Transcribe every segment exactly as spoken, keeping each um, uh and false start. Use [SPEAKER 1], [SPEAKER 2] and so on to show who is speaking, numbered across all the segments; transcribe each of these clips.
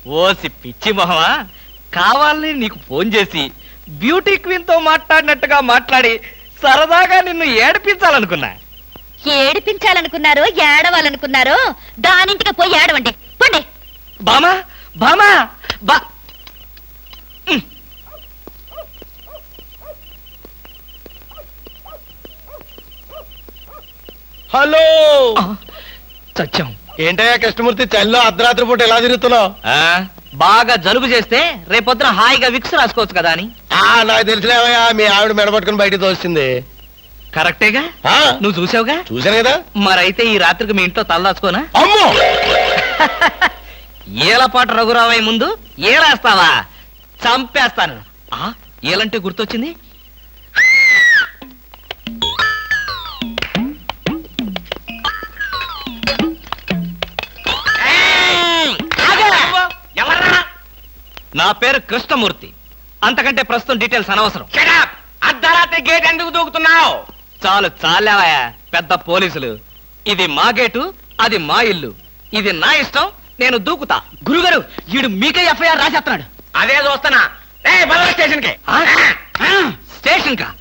[SPEAKER 1] OC పిచ్చి మొహమా, కావాలని నీకు ఫోన్ చేసి బ్యూటీ క్వీన్ తో మాట్లాడినట్టుగా మాట్లాడి సరదాగా నిన్ను ఏడిపించాలనుకున్నా.
[SPEAKER 2] ఏడిపించాలనుకున్నారో ఏడవాలనుకున్నారో దానింటికి పోయి ఏడవండి పండి.
[SPEAKER 1] బామా బామా బా
[SPEAKER 3] హలో
[SPEAKER 1] సత్యం.
[SPEAKER 3] ఏంటయ్యా కృష్ణమూర్తి, చల్లో అర్ధరాత్రి పూట ఎలా తిరుగుతున్నావు?
[SPEAKER 1] బాగా జలుబు చేస్తే రేపొద్దున హాయిగా విక్స్ రాసుకోవచ్చు కదా అని.
[SPEAKER 3] నాకు తెలిసినవయ్యా, మీ ఆవిడ మెడపట్టుకుని బయటకు తోస్తుంది.
[SPEAKER 1] కరెక్టేగా, నువ్వు చూసావుగా.
[SPEAKER 3] చూశాను కదా.
[SPEAKER 1] మరైతే ఈ రాత్రికి మీ ఇంట్లో తలదాచుకోనా?
[SPEAKER 3] అమ్మో,
[SPEAKER 1] ఏలపాటు రఘురావయ్య ముందు ఏలేస్తావా? చంపేస్తాను. ఏలంటే గుర్తొచ్చింది, నా పేరు కృష్ణమూర్తి. అంతకంటే ప్రస్తుతం డీటెయిల్స్ అనవసరం.
[SPEAKER 4] అర్ధరాత్రి గేట్ ఎందుకు దూకుతున్నావు?
[SPEAKER 1] చాలు చాలావయ్యా, పెద్ద పోలీసులు. ఇది మా గేటు, అది మా ఇల్లు. ఇది నా ఇష్టం, నేను దూకుతా. గురుగారు, వీడు మీకే ఎఫ్ఐఆర్ రాసేస్తున్నాడు.
[SPEAKER 4] అదే చూస్తున్నా. స్టేషన్ కి
[SPEAKER 1] స్టేషన్ కా?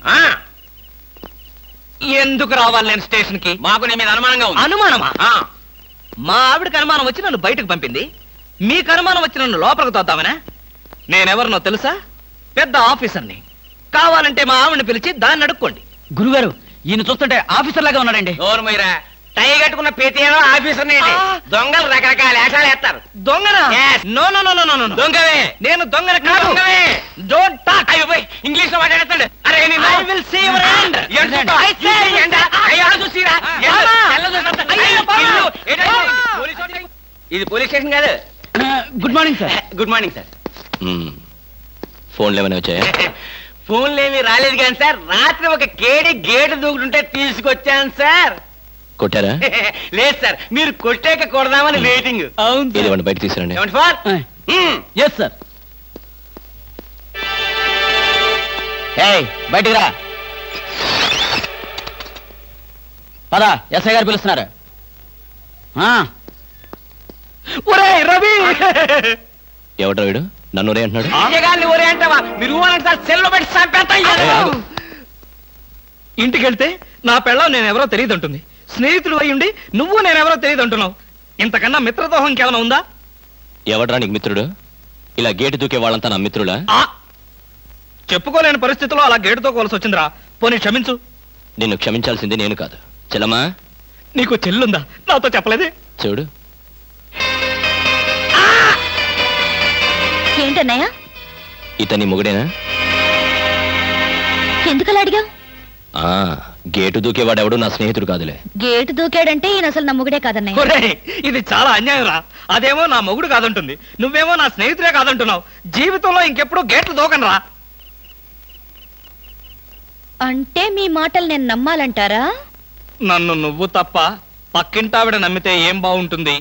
[SPEAKER 1] ఎందుకు రావాలి నేను స్టేషన్ కి?
[SPEAKER 4] మాకు నీ మీద అనుమానంగా ఉంది.
[SPEAKER 1] అనుమానమా? మా ఆవిడకి అనుమానం వచ్చి నన్ను బయటకు పంపింది. మీకు అనుమానం వచ్చి నన్ను లోపలికి తోద్దామనా? నేనెవరినో తెలుసా? పెద్ద ఆఫీసర్ని. కావాలంటే మా ఆవిడని పిలిచి దాన్ని అడుక్కోండి.
[SPEAKER 5] గురుగారు, ఈయన చూస్తుంటే ఆఫీసర్ లాగా ఉన్నాడండి.
[SPEAKER 4] నోరు మీరా, టై కట్టుకున్న ప్రతి ఆఫీసర్ దొంగలు రకరకాల వేషాలు వేస్తారు.
[SPEAKER 1] దొంగనా? No no no no no no.
[SPEAKER 4] దొంగవే.
[SPEAKER 1] నేను దొంగన కాదు.
[SPEAKER 4] దొంగవే.
[SPEAKER 1] Don't talk.
[SPEAKER 4] అయ్యో పోయి ఇంగ్లీష్ లో మాట్లాడతాడు. అరే నిన్ను
[SPEAKER 1] I will see your hand.
[SPEAKER 4] I say ఏంటా? అయ్యో చూసిరా. ఇది పోలీస్ స్టేషన్ కాదు.
[SPEAKER 5] Good morning sir.
[SPEAKER 4] Good morning sir.
[SPEAKER 3] ఫోన్లు ఏమైనా వచ్చాయా?
[SPEAKER 4] ఫోన్లు ఏమి రాలేదు కానీ సార్, రాత్రి ఒక కేడి గేటు దూకుంటుంటే తీసుకొచ్చాను సార్.
[SPEAKER 3] కొట్టారా?
[SPEAKER 4] లేదు సార్, మీరు కొట్టాక కొడదామని వెయిటింగ్.
[SPEAKER 3] అవును, బయట తీసుకురండి.
[SPEAKER 4] ఏమండి ఫోర్?
[SPEAKER 5] Yes sir. బయటికి రా. పదా, ఎస్ఐ గారు పిలుస్తున్నారు.
[SPEAKER 1] రవి,
[SPEAKER 3] ఎవడ్రా వీడు? నన్ను ఒరే అంటున్నాడు.
[SPEAKER 4] విజయగారిని ఒరే అంటావా? మీరు ఊరంటే సార్ సెల్లో పెట్టి చంపేస్తాం.
[SPEAKER 1] ఇంటికి వెళ్తే నా పెళ్ళం నేనెవరో తెలియదు అంటుంది. స్నేహితుడు అయ్యుండి నువ్వు నేనెవరో తెలియదు అంటున్నావు. ఇంతకన్నా మిత్రదోహం ఇంకేమైనా ఉందా?
[SPEAKER 3] ఎవడ్రా నీకు మిత్రుడు? ఇలా గేటు దూకే వాళ్ళంతా నా మిత్రుడా?
[SPEAKER 1] చెప్పుకోలేని పరిస్థితిలో అలా గేటుతో కోల్సి వచ్చిందిరా. పోనీ క్షమించు.
[SPEAKER 3] నిన్ను క్షమించాల్సింది నేను కాదు. చెల్లమ్మా,
[SPEAKER 1] నీకు చెల్లుందా? నాతో చెప్పలేదే.
[SPEAKER 3] చూడు,
[SPEAKER 2] ఏంటన్నయ్య?
[SPEAKER 3] ఇతని మొగుడేనా?
[SPEAKER 2] ఎందుకలా అడిగావు?
[SPEAKER 3] ఆ గేటు దూకేవాడెవడు నా స్నేహితుడు కాదులే.
[SPEAKER 2] గేటు దూకాడంటే ఈయన అసలు నమ్ముగుడే కాదన్నయ్య.
[SPEAKER 1] ఒరేయ్, ఇది చాలా అన్యాయం రా. అదేమో నా మొగుడు కాదంటుంది, నువ్వేమో నా స్నేహితుడే కాదంటున్నావు. జీవితంలో ఇంకెప్పుడు గేట్లు దూకను రా.
[SPEAKER 2] అంటే మీ మాటలు నేను నమ్మాలంటారా?
[SPEAKER 1] నన్ను నువ్వు తప్ప పక్కింటావిడ నమ్మితే ఏం బాగుంటుంది?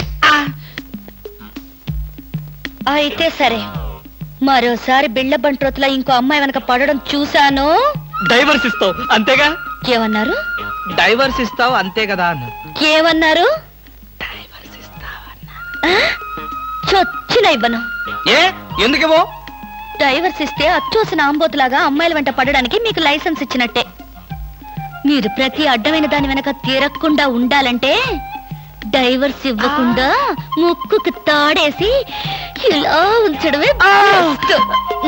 [SPEAKER 2] అయితే సరే, మరోసారి బిళ్ళ బంట్రోతులా ఇంకో అమ్మాయి వెనక పడడం చూశాను.
[SPEAKER 1] డైవర్స్ ఇస్తావు అంతేగా?
[SPEAKER 2] ఏమన్నారు?
[SPEAKER 1] డైవర్స్ ఇస్తావు అంతే కదా అన్న.
[SPEAKER 2] ఏమన్నారు?
[SPEAKER 1] డైవర్స్ ఇస్తావన్నా.
[SPEAKER 2] చొచ్చిన ఇవ్వను.
[SPEAKER 1] ఏ ఎందుకేమో?
[SPEAKER 2] డైవర్స్ ఇస్తే అచ్చోసిన ఆంబోతులాగా అమ్మాయిల వెంట పడడానికి మీకు లైసెన్స్ ఇచ్చినట్టే. మీరు ప్రతి అడ్డమైన దాని వెనక తిరగకుండా ఉండాలంటే డైవర్స్ ఇవ్వకుండా ముక్కుకి తాడేసి ఇలా ఉంచడమే బెస్ట్.